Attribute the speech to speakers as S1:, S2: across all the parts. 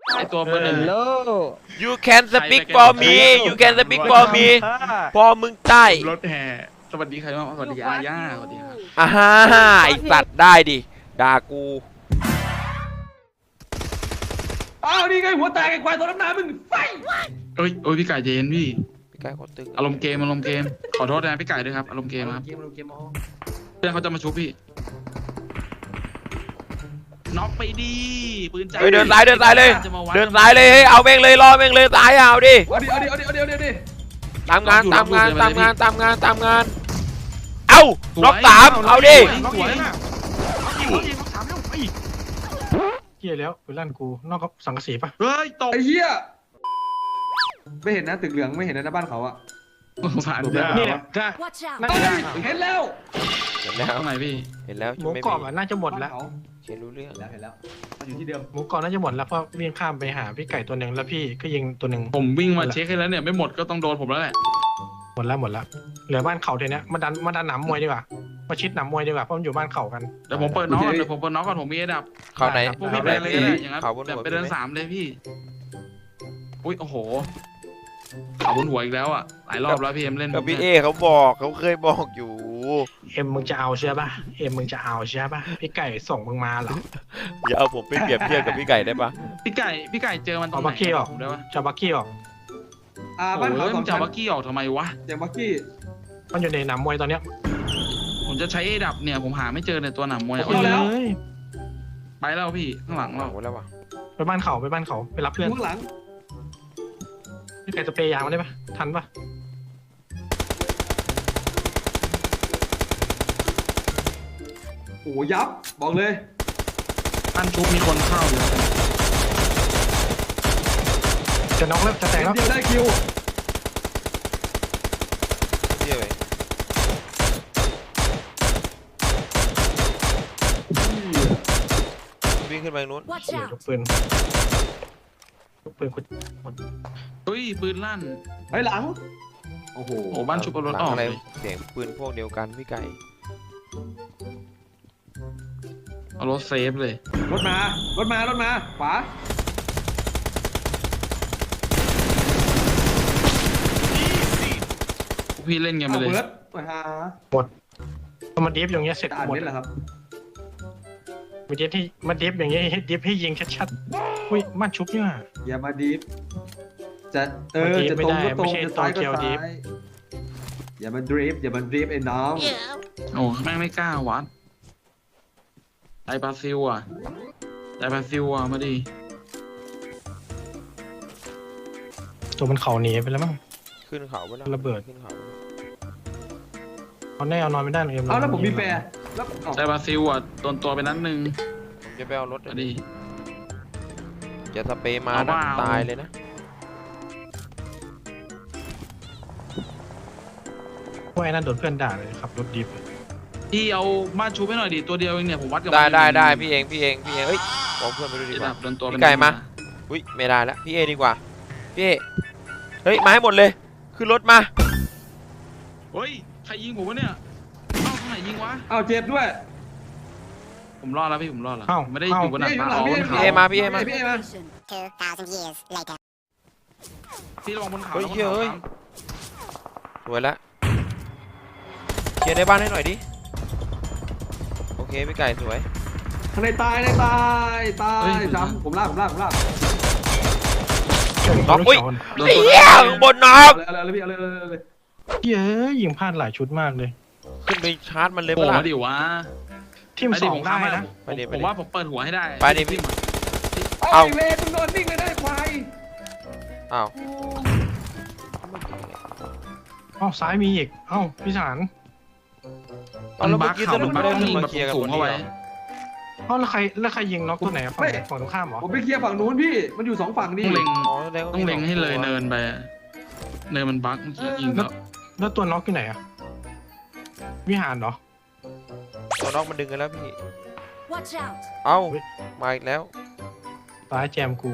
S1: ไอตัวเบอร์หนึ่ง
S2: โล
S3: you can speak for me you can speak for me พอมึงใต้
S1: รถแห่สวัสดีใครบ้างสวัสดีอาญาสวัสดีครับ
S3: อ่าฮ่าไอสัตว์ได้ดิด่ากู
S2: อ้าวนี่ไงหัวแตกไอ้ควายตัวน้ำหนามึงไฟ
S1: โอ้ยพี่ไก่เจนพี่
S3: พี่ไก่โคตรตึง
S1: อารมณ์เกมขอโทษนะพี่ไก่ด้วยครับอารมณ์เกมครับ
S2: เกมอ๋อ
S1: เพื่อนเขาจะมาชุบพี่น็อกไปดีปืนใจ
S3: เฮ้ยเดินซ้ายเลย
S1: จะมาวั
S3: เดินซ้ายเลยเฮ้ยเอาแม่งเลยรอแม่งเลยซ้ายเอาดิ
S2: เอาดิ
S3: ตามงานเอ้าล็อกสามเอาดิ
S1: สวยนะ
S4: เหี้ยแล้วไปลั่นกูนอกกับสังกะสีปะ
S1: เฮ้ยตก
S2: ไอ้เหี้ยไม่เห็นนะตึกเหลืองไม่เห็นนะหน้าบ้านเขาอะ
S1: ผ่าน
S4: นี่แหละถ้า
S5: Watch out!
S4: น่าจะได้
S2: เห็นแล้ว
S3: เห็นแล้ว
S1: ตรงไหนพี่
S3: เห็นแล้ว
S4: หมูกรอบน่าจะหมดแล้ว
S3: เขียนรู้เรื่อง
S2: เห็นแล้วมันอยู่ที่เดิม
S4: หมูกรอบน่าจะหมดแล้วเพราะวิ่งข้ามไปหาพี่ไก่ตัวหนึ่งแล้วพี่ก็ยิงตัวหนึ่ง
S1: ผมวิ่งมาเช็คให้แล้วเนี่ยไม่หมดก็ต้องโดนผมแล้วแหละ
S4: หมดแล้วเหลือบ้านเขาเดี๋ยวนี้มาดันหนามมวยดีกว่ามาชิดหนามมวยดีกว่าเพราะมันอยู่บ้านเขากัน
S1: เดี๋ยวผมเปิดน็อกก่อนผมมีระดับ
S3: เข้าไหน
S1: พวกพี่ไปเลยก็ได้อย่างนั้น
S3: เขาบน
S1: แบบ
S3: หัว
S1: ไปเดินสามเลยพี่อุ้ยโอ้โหเขาบนหัวอีกแล้วอ่ะหลายรอบแล้วพี่เอ็มเล่น
S3: กับพี่เอเขาบอกเขาเคยบอกอยู่
S4: เอ็มมึงจะเอาใช่ปะเอ็มมึงจะเอาใช่ปะพี่ไก่ส่งมึงมาเหรอ
S3: อย่าเอาผมไปเปรียบเทียบกับพี่ไก่ได้ปะ
S1: พี่ไก่เจอมันตรงไหนผมได้ปะ
S4: จะบักกี้ออก
S1: โอ้
S2: บ้านเขา
S1: ย
S2: ส
S1: มั
S2: อน ง
S1: จะ
S2: ชั้น
S1: บักกี้ออกทำไมวะ
S2: เสียงบักกี้
S4: มันอยู่ในหนามมวยตอนเนี้ย
S1: ผมจะใช้เอดับเนี่ยผมหาไม่เจอในตัวหนามมวย
S4: เฮ้ย
S1: ไปแล้วพี่ข้างหลังเรา
S3: หมดแล้ววะ
S4: ไปบ้านเขาไปรับเพื่อน
S2: ข้างหลัง
S4: พี่ไก่สเปรย์ยางมาได้ปะทันปะ
S2: โอ้ยับบอกเลย
S1: ท่านชุบมีคนเข้าอยู่
S4: จะน็อกแล้วจะแตกแล้ว
S2: เดียวได้คิว
S3: เที่ยวไปวิ่งขึ้นไปนู้น
S5: Watch
S4: เหี้ย
S5: out!
S4: ยกปืนคุณ
S1: เฮ้ยปืนลั่น
S2: เฮ้ยหลังโอ้โห
S1: โอ้บ้านชุบเอารถ
S3: หลั
S1: อง อก
S3: อะไร
S1: เลย
S3: เสียงปืนพวกเดียวกันพี่ไก่
S1: เอารถเซฟเลย
S2: รถมาขวา
S1: พี่เล่นกันไปเลย
S2: เบิร์ดไปหา
S4: พอมาดิฟอย่างเงี้ยเสร็จ
S2: อ่าน
S4: หมด
S2: นี่แหละครับ
S4: มาดิฟที่มาดิฟอย่างเงี้ยให้ดิฟให้ยิงชัดๆอุ้ยมันชุบเนี่ย
S2: อย่ามาดิฟจะ
S4: มาดิฟ
S2: จะ
S4: ไม่
S2: ตรง
S4: ได้
S2: ก็ตรง
S4: ไม่ใช่
S2: จะซ้ายก็
S4: ตัวเกียวดิ
S2: ซ้า
S4: ฟ
S2: ยอย่ามาดริฟไอ้น้อง
S1: โอ้แม่งไม่กล้าวัดไอบราซิลอ่ะมาดิ
S4: ตัวมันเข่าหนีไปแล้วมั้ง
S3: ขึ้นเขาไปแล้ว
S4: ระเบิด
S3: ขึ้นเขา
S4: เขาแน่เอานอนไม่ได้เลย
S2: เอาแล้วผมมีแฟร์แล้วเอา
S1: ไอบราซิลอ่ะโดนตัวไปนัดหนึ่ง
S3: ผมจะไปเอารถ
S1: มาดิ
S3: จะสเปรย์มา
S1: เอา
S3: นะ
S1: เปล่า
S3: ตายเลยนะ
S4: พวกไอ้นั่นโดนเพื่อนด่าเลยขับรถดิฟ
S1: พี่เอาบ้านชุบให้หน่อยดิตัวเดียวเองเนี่ยผมวัดกับ
S3: ได้พี่เองเอ้ยบอกเพื่อนไปดูดี
S1: ไอก
S3: ว่า
S1: ดับโดนตัว
S3: พี่ไก่มา อุ้ยไม่ได้แล้วพี่เอดีกว่าพี่เอเฮ้ยมาให้หมดเลยขึ้นรถมา
S1: เฮ้ยใครยิงผมวะเนี่ยเอ้าตรงไหนยิงวะ
S2: เอาเจ็บด้วย
S1: ผมรอดแล้วพี่ผมรอดแล้ว
S4: เอ้า
S1: ไม่ได้อยู่บนหนัง
S2: พี่
S1: ฟ้า
S2: เอ
S1: อ๋อบน
S2: อยู่
S1: เขา
S2: หลัง
S3: มา
S2: พี่
S3: พี่เอมา
S2: พี่เอมา
S5: 2,000 years later.
S1: พี่ระวังบนเขา
S3: เฮ้ย
S1: ระวัง
S3: เฮ้ย
S1: บนเขา
S3: สวยแล้วเคลียร์ในบ้านให้หน่อยดิโอเคพี่ไก่สวย
S2: ข้างในตายซ้ำผมลาก
S3: น็อกอุ้ย
S1: โดน
S3: ไอ้
S1: ตัว
S3: เหี้ยข้างบนน็อก
S2: เอาเลยพี่เอาเลย
S4: เย้ยยิงพลาดหลายชุดมากเลย
S3: ขึ้นไปชาร์จมันเลย
S1: โผล่
S3: ปะล่ะ
S1: มาดิวะ
S4: ทีม
S1: ไป
S4: ส
S1: ดิ
S4: อง
S1: ผม
S4: ได้
S1: ข้ามให้
S4: นะ
S1: ผมว่าผมเปิดหัวให้ได้
S3: ไปดิพี่
S2: เอ้าเวมึงโดนนิ่งเลยได้ควาย
S3: อ้าว
S4: อ้าวซ้ายมีอีกเอ้าพี่สาร
S3: เอาแล้วเมื่อกี้สรุปไม่ได้
S1: มัน
S3: ขึ้น
S1: บั๊ก
S3: มาเคลียร์กัน
S1: สู
S3: ค
S1: ง
S3: น
S1: เข้า
S3: เดี
S1: ไว้
S3: ยว
S4: เอ้าแล้วใครยิงน็อกตัวไหนอะฝั่งตรงข้ามเหรอ
S2: ผมไปเคลียร์ฝั่งนู้นพี่มันอยู่2ฝั่ง
S1: ต้
S2: นี่
S1: องเล็ง
S3: อ๋อแสดว่า
S1: ต้องเล็งให้เลย
S3: มีส
S1: เนินไปอะเนินมันบั๊กเมื่อกี้ยิงแล้ว
S4: แล้วตัวน็อกอยู่ไหนอะวิหารเหรอ
S3: ตัวน็อกมันดึงกันแล้วพี่
S5: Watch out!
S3: เอ้ามาอีกแล้ว
S4: ตายแจมกู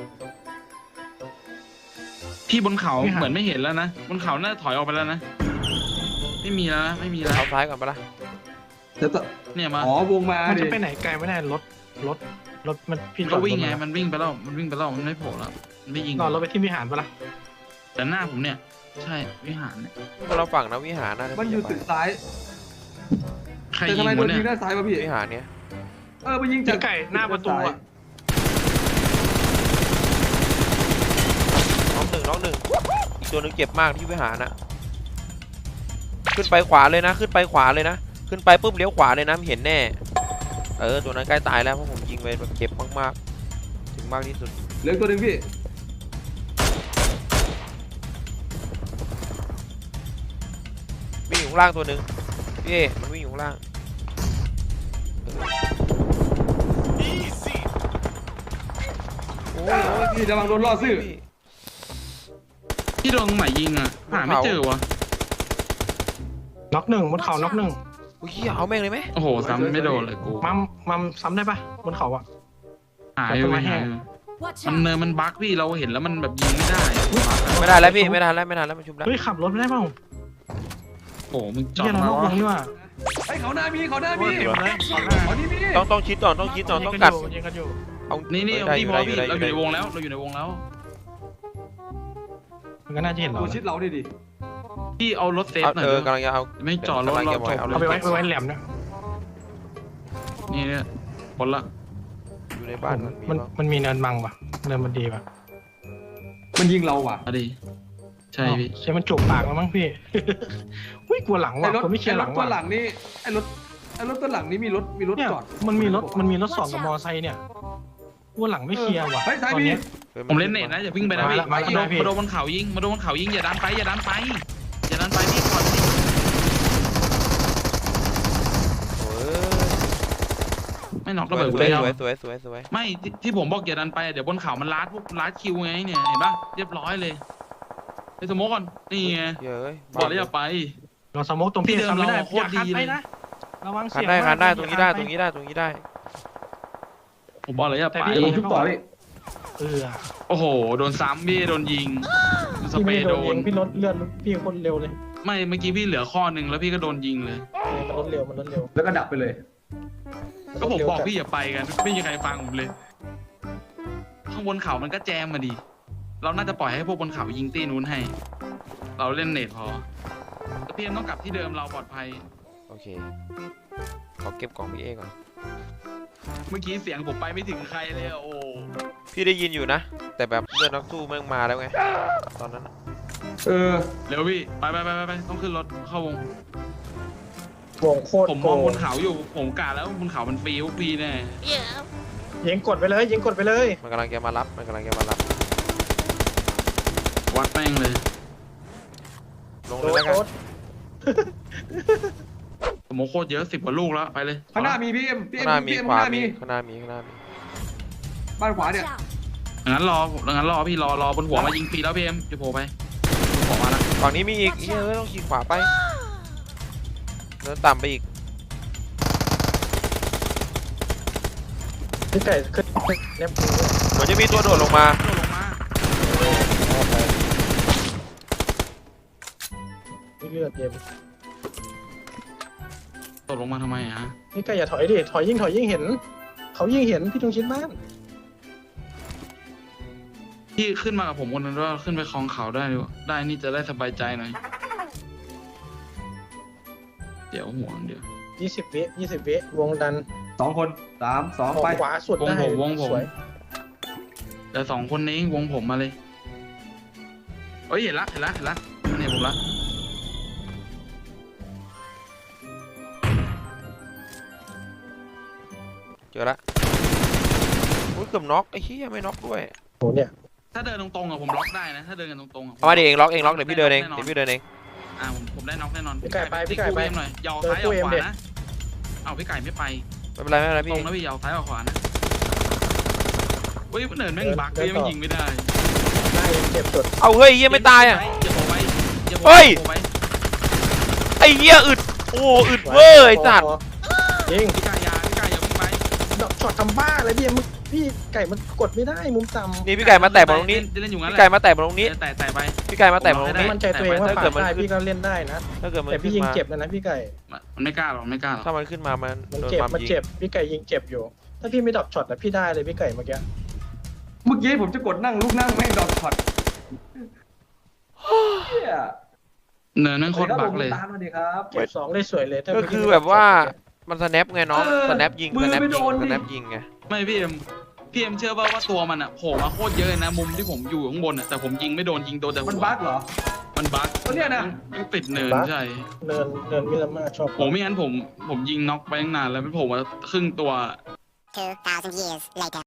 S1: พี่บนเขา
S4: ไม่หัน
S1: เหมือนไม่เห็นแล้วนะบนเขาน่าถอยออกไปแล้วนะไม่มีแล้วนะไม่มีแล้ว
S3: เอาซ้ายก่อนปะล่ะ
S2: แต่ต่อ
S1: เนี่ยมา
S2: อ๋อวงมา
S4: มัน
S2: ดิ
S4: จะไปไหนไกลไม่ได้รถรถมันพี่
S1: มัน
S4: จอ
S1: ก็
S4: ด
S1: วิ่งไง
S4: รถ
S1: มันวิ่งไปแล้วมันวิ่งไปแล้วมันไม่โผล่แล้วมันไม่ยิง
S4: นอนรถไปที่วิหารปะล่ะ
S1: แต่หน้าผมเนี่ยใช่วิหารเนี่ย
S3: คนเราฝั่งนะวิหารนะ
S2: มันอยู่ตึกซ้าย
S1: ใคร
S2: แต่
S1: ยิ
S2: ทำ
S1: ง
S2: ไมโด
S1: วะ
S2: น
S1: เนี่
S2: ยิ
S1: ย
S2: งด้านซ้ายวะพี่
S3: วิหารเนี้ย
S2: มันยิงจาก
S4: พี่ไก่หน้าประตูอะ
S3: น้องหนึ่งอีกตัวหนึงเจ็บมากที่วิหารนะขึ้นไปขวาเลยนะขึ้นไปขวาเลยนะขึ้นไปปุ๊บเลี้ยวขวาเลยนะเห็นแน่ตัวนั้นใกล้ตายแล้วเพราะผมยิงไปแบบเจ็บมากๆถึงมากที่สุด
S2: เหลือตัวหนึ่งพี่
S3: วิ่งอยู่ข้างล่างตัวหนึ่งพี่เอมันวิ่งอยู่ข้างล่างโอ้ย
S2: พี่ระวังโดนล่อซื่อ
S1: พี่โดนตรงไหนยิงอ่ะหาไม่เจอวะ
S4: น็อกหนึ่งบนเขาน็อกหนึ่ง
S3: โอ้ยเอาแม่งเลยไหม
S1: โอ้โหซ้ำไม่โดนเลยกู
S4: มัมซ้ำได้ปะบนเขาอะ
S1: หายไปหาย
S5: Watch
S1: มัน
S5: out!
S1: เนินมันบั๊กพี่เราเห็นแล้วมันแบบยิงไม่ได้
S3: ไม่ได้แล้วพี่ไม่ทันแล้วมันชุบแล้ว
S4: เฮ้ยขับรถไม่ได้เปล่า
S1: โอ้โหมึงจอด
S4: เฮียเรา
S1: มาน
S4: อกว
S1: วะ
S4: งนี่ว่ะ
S2: ไอ้เขาหน้ามีเขาหน้า
S4: โอ้
S2: มี
S4: ยเต็มเลย
S2: เขานี่มี
S3: ต้องชิดก่อนต้องกัด
S4: ยิงกันอยู่
S3: เอา
S1: นี่
S3: ได้
S1: พี่
S3: อยู่
S1: พอ
S3: ได้
S1: พี่
S3: ได้
S1: เราอยู่ในวงแล้วเราอยู่ในวงแล้ว
S4: มันก็น่าจะเห็นเรา
S2: ตัวชิดเราดิ
S1: พี่เอารถเซฟหน่อย
S3: กำลังจะเอา
S1: ไม่จอดรถเราจบ
S4: เอาไปไว้แหลมเนี่ย
S1: นี่เนี่ยผลละ
S3: อยู่ในบ้านมันมี
S4: มันมีเนินบังปะเนินมันดีปะ
S2: มันยิงเราว่ะ
S1: อะดีใช่พี่
S4: ใช่มันจุกปากแล้วมั้งพี่ อุ้ยกลัวหลัง
S2: ไอ้
S4: ว่ะ
S2: รถ
S4: ผมไม่เคลียร์หลัง
S2: ตัว
S4: ว่ะ
S2: หลังนี่ไอ้รถตัวหลังนี่มีรถ
S4: เนี่ย
S2: จอด
S4: มันมีรถสองกับมอไซค์เนี่ยกลัวหลังไม่เคลียร์ว่ะ
S2: เฮ้ยซ้าย
S4: ตอน
S2: มี
S4: เนี้ย
S1: ผมเล่นเน็ตนะอย่าวิ่งไปนะพี่
S4: มาละ
S1: มาโดนบนเขายิงอย่าดันไปอย่าดันไปพี่ก่อน
S3: โอ้ย
S1: ไม่น็อกระเบิด
S3: ส
S1: เลย
S3: วย
S1: ไม่ที่ผมบอกอย่าดันไปเดี๋ยวบนเขามันลัดคิวไงเนี่ยเห็นปะเรียบร้อยเลยไปสโมกก่อนนี่ไง
S3: เยอะ
S1: บอกแล้วอย่าไป
S4: เราสโมกตรงพี่
S1: ที่เดิม
S4: ทำไม่ได้
S1: เราโค
S4: อ
S1: ตร
S4: ย่าคัน
S1: ดี
S4: ไป
S1: เลย
S4: นะระวัง
S3: คั
S4: เสี
S3: น
S4: ยง
S3: ได้
S4: มาก
S3: คันได้
S4: อย่า
S3: ตรงนี้ได้
S4: คั
S3: ตรงนี้ได้ตรงนี้ได้
S1: ผมบอกเลยอย่าไป
S4: แต่พี่
S2: เดี๋ยวผมชุบต่อพี่
S1: โอ้โหโดนซ้ำพี่โดนยิงส
S4: พี่
S1: เปร
S4: ไม่
S1: ย์
S4: โด
S1: โด
S4: นยิ
S1: น
S4: งพี่รถเลื่อนพี่คนเร็วเลย
S1: ไม่เมื่อกี้พี่เหลือข้อหนึ่งแล้วพี่ก็โดนยิงเลย
S4: มันรถเร็วมันรถเร็ว
S2: แล้วก็ดับไปเลย
S1: ก็ผมบอกพี่อย่าไปกันไม่มีใครฟังผมเลย ข้างบนเขามันก็แจมมาดิเราน่าจะปล่อยให้พวกบนเขายิงตีนู้นให้ เราเล่นเน็ตพอแต่พี่เอ็มต้องกลับที่เดิมเราปลอดภัย
S3: โอเคขอเก็บกล่องพี่เอก่อน
S1: เมื่อกี้เสียงผมไปไม่ถึงใครเลยอะโอ้
S3: พี่ได้ยินอยู่นะ แต่แบบเลือดนักสู้แม่งมาแล้วไงตอนนั้น
S1: เร็วพี่ไปต้องขึ้นรถเข้าวง
S4: วงโคตร
S1: ผม
S4: โก
S1: มอง
S4: ง
S1: บนเขาอยู่ผมกะแล้วบนเขามันฟรีแน่
S4: ยิงกดไปเลยยิงกดไปเลย
S3: มันกำลังจะมารับ
S1: วัดแม่งเลย
S3: ลงเลยแล้วกัน
S4: โดด
S1: ผมโคตรเยอะ10 กว่าลูกแล้วไปเลย
S2: ข้างหน้ามีพี่เอ็ม
S3: ข้างหน้ามี
S2: ข้าง
S3: ขวา
S2: หน้า
S3: มี
S2: มี
S3: ข้างหน้ามี
S2: บ้านขวา
S5: Watch
S2: เนี่ย
S5: out!
S1: งั้นรอพี่รอบนหัวมายิงฟรีแล้วพี่เอ็มจะโผล่ไปผมมาละ
S3: ฝั่งนี้มีอีกต้องขี่ขวาไปเดินต่ำไปอีก
S4: พี่ไก่ขึ้นเล็บมือ
S3: เหมือนจะมีตัวโดดลงมา
S1: โดดลงมา
S4: พี่เลือดเย็น
S1: โดดลงมาทำไมฮะ
S4: พี่ไก่อย่าถอยดิถอยยิ่งเห็นเขายิ่งเห็นพี่ตรงชิ้นบ้าน
S1: พี่ขึ้นมากับผมคนนั้นว่าขึ้นไปคลองเขาได้ดีกว่าได้นี่จะได้สบายใจหน่อยเดี๋ยวห่วงเดี๋ยว
S4: 20 วิวงดัน
S2: 2 คน3 2ไป
S4: ขวาสุดได้
S1: วงผม
S4: สวย
S1: แต่2 คนนี้วงผมมาเลยเอ้ยเห็นละเนี่ยผมละ
S3: เจอละอุ้ยเกือบน็อกไอ้เหี้ยไม่น็อกด้วย
S4: โหเนี่ย
S1: ถ้าเดินตรงๆอะผมล็อกได้นะถ้าเดินกันตรงๆอะ
S3: เอามาดิเองล็อกเดี๋ยวพี่เดินเอง
S1: ผมได้น็อกแน่นอน
S4: พี่ไก่ไป
S1: พี่กู้เอ็มหน่อยยาวซ้ายยาวขวานะเอาพี่ไก่ไม่ไป
S3: ไม่เป็นไร
S1: ต
S3: พี่
S1: รงนะพี่ยาวซ้ายยาวขวานะเฮ้ยเนินแม่งบักเลยมันยิงไม่ได้
S4: ได้เจ็บสุด
S3: เอาเฮ้ยเหี้ยไม่ตายอ่ะ
S1: อย่าโผล่ไปอย่าโผล่
S3: เฮ้ย
S1: ไป
S3: ไอ้เหี้ยอึดโอ้อึดเวอร์ไอ้สัตว์
S4: ยิง
S1: พี่ไก่อย่าวิ่งไป
S4: ดอกช็อตทำบ้าอะไรพี่ไก่มันกดไม่ได้มุมต่ำ
S3: นี่พี่ไก่มาแตะบอลตรงนี้
S1: เล่นอยู่งั้น
S3: พี่ไก่มาแตะบอลตรงนี้
S1: แต่ไป
S3: พี่ไก่มาแตะบอลตรงนี้
S4: มั่นใจตัวเองว่า
S3: ถ้า
S4: ปา
S3: เกิ
S4: ด
S3: ดมัน
S4: ได้พี่ก็เล่นได้นะ
S3: ถ้าเกิดมัน
S4: แต่
S3: ขึ้
S4: พี่
S3: น
S4: ยิง
S3: มา
S4: เจ็บแล้วนะพี่ไก่
S1: มันไม่กล้าหรอก
S3: ถ้ามันขึ้นมามัน
S4: มัน
S3: โดน
S4: เจ็บ
S3: ความ
S4: มัน
S3: ยิง
S4: เจ็บพี่ไก่ยิงเจ็บอยู่ถ้าพี่ไม่ดรอปช็อตนะพี่ได้เลยพี่ไก่เมื่อกี้
S2: เมื่อกี้ผมจะกดนั่งลูกนั่งไม่ดรอปช็อตเฮีย
S1: เนินนั่นโคตรบักเลย
S2: ตามมาดิครับ
S4: เก็บสองได้สวยเลยถ้า
S3: ก็
S4: พี่
S3: คือ
S4: ไม่
S3: แบ
S4: ดร
S3: บ
S4: ป
S3: ว่า
S4: ช็อตเมื่อกี้
S3: มันสแนปไงน้อง สแนปยิง สแนป
S2: ไม่
S3: ยิ
S2: โด
S3: ง
S2: น
S3: ส
S2: ดิ
S3: แนปยิงไง
S1: ไม่พี่เอ็มเชื่อว่าตัวมันอะโผล่มาโคตรเยอะเลยนะมุมที่ผมอยู่ข้างบนอะแต่ผมยิงไม่โดนยิงโดนแต่หัว
S2: มันบั๊กเหรอ
S1: มันบั๊ก
S2: เนี่ยนะ
S1: มันติดเนินใช่
S4: เนินมิลาม่าชอบ
S1: โหไม่งั้นผมยิงน็อกไปตั้งนานแล้วมันโผล่มาครึ่งตัว
S5: 2,000 years later.